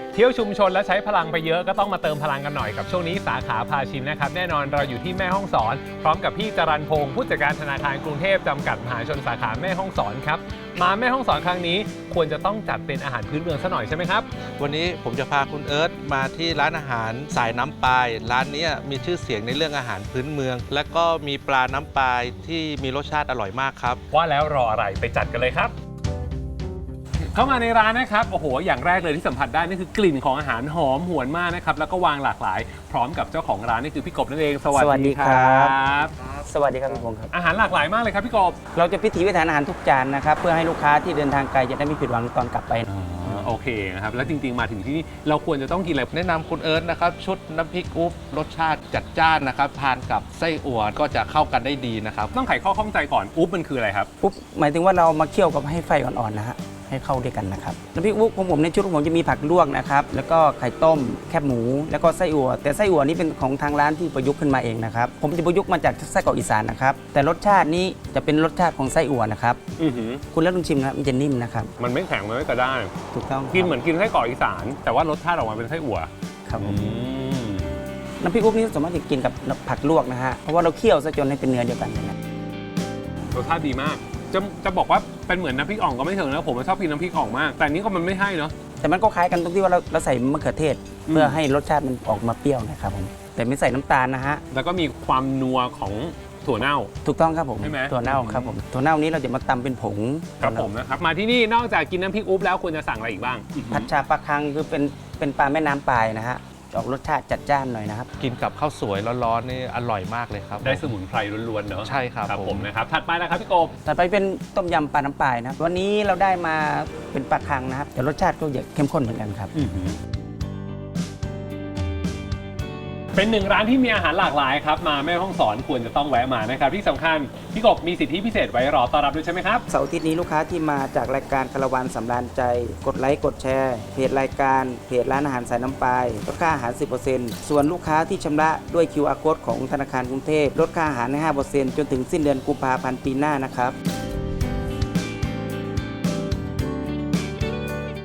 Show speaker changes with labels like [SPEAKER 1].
[SPEAKER 1] เที่ยวชุมชนและใช้พลังไปเยอะก็ต้องมาเติมพลังกันหน่อยกับช่วงนี้สาขาพาชิมนะครับแน่นอนเราอยู่ที่แม่ฮ่องสอนพร้อมกับพี่จรัญพงศ์ผู้จัดการธนาคารกรุงเทพจำกัดมหาชนสาขาแม่ฮ่องสอนครับมาแม่ฮ่องสอนครั้งนี้ควรจะต้องจัดเป็นอาหารพื้นเมืองซะหน่อยใช่ไหมครับ
[SPEAKER 2] วันนี้ผมจะพาคุณเอิร์ธมาที่ร้านอาหารสายน้ำปลายร้านนี้มีชื่อเสียงในเรื่องอาหารพื้นเมืองและก็มีปลาน้ำปลายที่มีรสชาติอร่อยมากครับ
[SPEAKER 1] ว่าแล้วรออะไรไปจัดกันเลยครับเข้ามาในร้านนะครับโอ้โหอย่างแรกเลยที่สัมผัสได้นี่คือกลิ่นของอาหารหอมหวนมากนะครับแล้วก็วางหลากหลายพร้อมกับเจ้าของร้านนี่คือพี่กบนั่นเองสวัสดีครับ
[SPEAKER 3] สวัสดีครับพี่พงศ์ครับ
[SPEAKER 1] อาหารหลากหลายมากเลยครับพี่กบ
[SPEAKER 3] เราจะพิถีพิถันอาหารทุกจานนะครับเพื่อให้ลูกค้าที่เดินทางไกลจะได้ไม่ผิดหวังตอนกลับไป
[SPEAKER 1] โอเคนะครับแล้วจริงๆมาถึงที่นี่เราควรจะต้องกินอะไร
[SPEAKER 2] แนะนำคุณเอิร์ธนะครับชุดน้ำพริกอุ๊บรสชาติจัดจ้านนะครับทานกับไส้อั่วก็จะเข้ากันได้ดีนะครับ
[SPEAKER 1] ต้องไขข้อข้องใจก่อนอุ๊บมันคืออะไรครับ
[SPEAKER 3] อุ๊บหมายถึงว่าเรามาเคี่ยวกับให้ไฟอ่อนๆนะฮะให้เข้าด้วยกันนะครับน้ำพริกอุ๊บของผมในชุดของผมจะมีผักลวกนะครับแล้วก็ไข่ต้มแคบหมูแล้วก็ไส้อั่วแต่ไส้อั่วนี้เป็นของทางร้านที่ประยุกต์ขึ้นมาเองนะครับผมจะประยุกต์มาจากไส้กรอกอีสานนะครับแต่รสชาตินี้จะเป็นรสชาติของไส้อั่วนะครับคุณแล้วลองชิมนะครับมันจะนิ่มนะครับ
[SPEAKER 1] มันไม่แข็งมันไม่กระด้าง
[SPEAKER 3] ถูกต้อง
[SPEAKER 1] กินเหมือนกินไส้กรอกอีสานแต่ว่ารสชาติออกมาเป็นไส้อั่ว
[SPEAKER 3] ครับน้ำพริกอุ๊บนี้สามารถจะกินกับผักลวกนะฮะเพราะว่าเราเคี่ยวซะจนให้เป็นเนื้อเดียวกันนะ
[SPEAKER 1] รสชาติดีมากจะบอกว่าเป็นเหมือนน้ำพริกอ่องก็ไม่ถึงนะผมชอบกินน้ำพริกอ่องมากแต่นี้ก็มันไม่ให้เนาะ
[SPEAKER 3] แต่มันก็คล้ายกันตรงที่ว่าเราใส่มะเขือเทศเพื่อให้รสชาติมันออกมาเปรี้ยวนะครับผมแต่ไม่ใส่น้ำตาลนะฮะ
[SPEAKER 1] แล้วก็มีความนัวของถั่วเน่า
[SPEAKER 3] ถูกต้องครับผม
[SPEAKER 1] ใช่ไหม
[SPEAKER 3] ถั่วเน่าครับผมถั่วเน่านี้เราจะมาตำเป็นผง
[SPEAKER 1] ครับผมนะครับมาที่นี่นอกจากกินน้ำพริกอุ๊บแล้วควรจะสั่งอะไรอีกบ้าง
[SPEAKER 3] ผัดชาปลาคังคือเป็นปลาแม่น้ำปลายนะฮะออกรสชาติจัดจ้านหน่อยนะครับ
[SPEAKER 2] กินกับข้าวสวยร้อนๆนี่อร่อยมากเลยครับ
[SPEAKER 1] ได้สมุนไพรล้วนๆเนอะ
[SPEAKER 2] ใช่ครับ
[SPEAKER 1] ผมนะครับถัดไปนะครับพี่กบ
[SPEAKER 3] ถัดไปเป็นต้มยำปลาน้ำปลายนะวันนี้เราได้มาเป็นปลาคังนะครับแต่รสชาติก็จะเข้มข้นเหมือนกันครับ
[SPEAKER 1] เป็นหนึ่งร้านที่มีอาหารหลากหลายครับมาแม่ฮ่องสอนควรจะต้องแวะมานะครับที่สำคัญพี่กบมีสิทธิพิเศษไว้รอต้อนรับด้วยใช่ไหมครับ
[SPEAKER 3] เสาร์อาทิตย์นี้ลูกค้าที่มาจากรายการคาราวานสำราญใจกดไลค์กดแชร์เพจรายการเพจร้านอาหารสายน้ำปลายลดค่าอาหาร 10% ส่วนลูกค้าที่ชำระด้วย QR Code ของธนาคารกรุงเทพลดค่าอาหารใน 5% จนถึงสิ้นเดือนกุมภาพันธ์ปีหน้านะครับ